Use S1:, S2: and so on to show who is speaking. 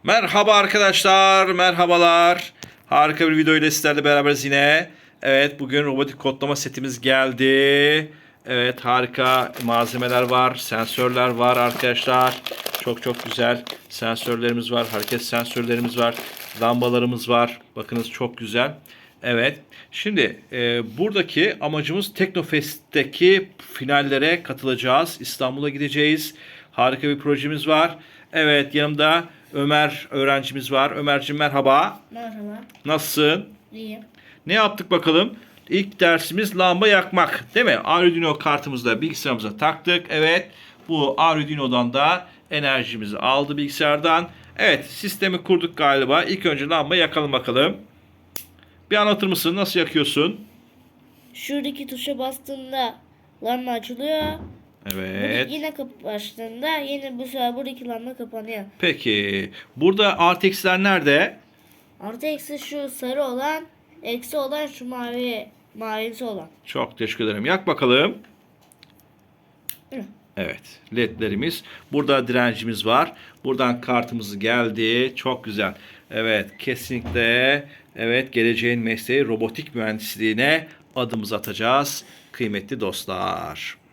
S1: Merhaba arkadaşlar, merhabalar. Harika bir video ile sizlerle beraberiz yine. Evet, bugün robotik kodlama setimiz geldi. Evet, harika malzemeler var, sensörler var arkadaşlar. Çok güzel sensörlerimiz var, hareket sensörlerimiz var, lambalarımız var. Bakınız çok güzel. Evet, şimdi buradaki amacımız Teknofest'teki finallere katılacağız. İstanbul'a gideceğiz. Harika bir projemiz var. Evet, yanımda Ömer öğrencimiz var. Ömerciğim merhaba.
S2: Merhaba.
S1: Nasılsın?
S2: İyiyim.
S1: Ne yaptık bakalım? İlk dersimiz lamba yakmak. Değil mi? Arduino kartımızla bilgisayarımıza taktık. Evet. Bu Arduino'dan da enerjimizi aldı bilgisayardan. Evet. Sistemi kurduk galiba. İlk önce lamba yakalım bakalım. Bir anlatır mısın? Nasıl yakıyorsun?
S2: Şuradaki tuşa bastığında lamba açılıyor.
S1: Evet.
S2: Yine kapı açtığında yine bu sefer buradaki lamba kapanıyor.
S1: Peki. Burada RTX'ler nerede?
S2: Artı eksi şu sarı olan, eksi olan şu mavisi olan.
S1: Çok teşekkür ederim. Yak bakalım.
S2: Hı.
S1: Evet, ledlerimiz. Burada direncimiz var. Buradan kartımız geldi. Çok güzel. Evet, kesinlikle evet geleceğin mesleği robotik mühendisliğine adımızı atacağız. Kıymetli dostlar.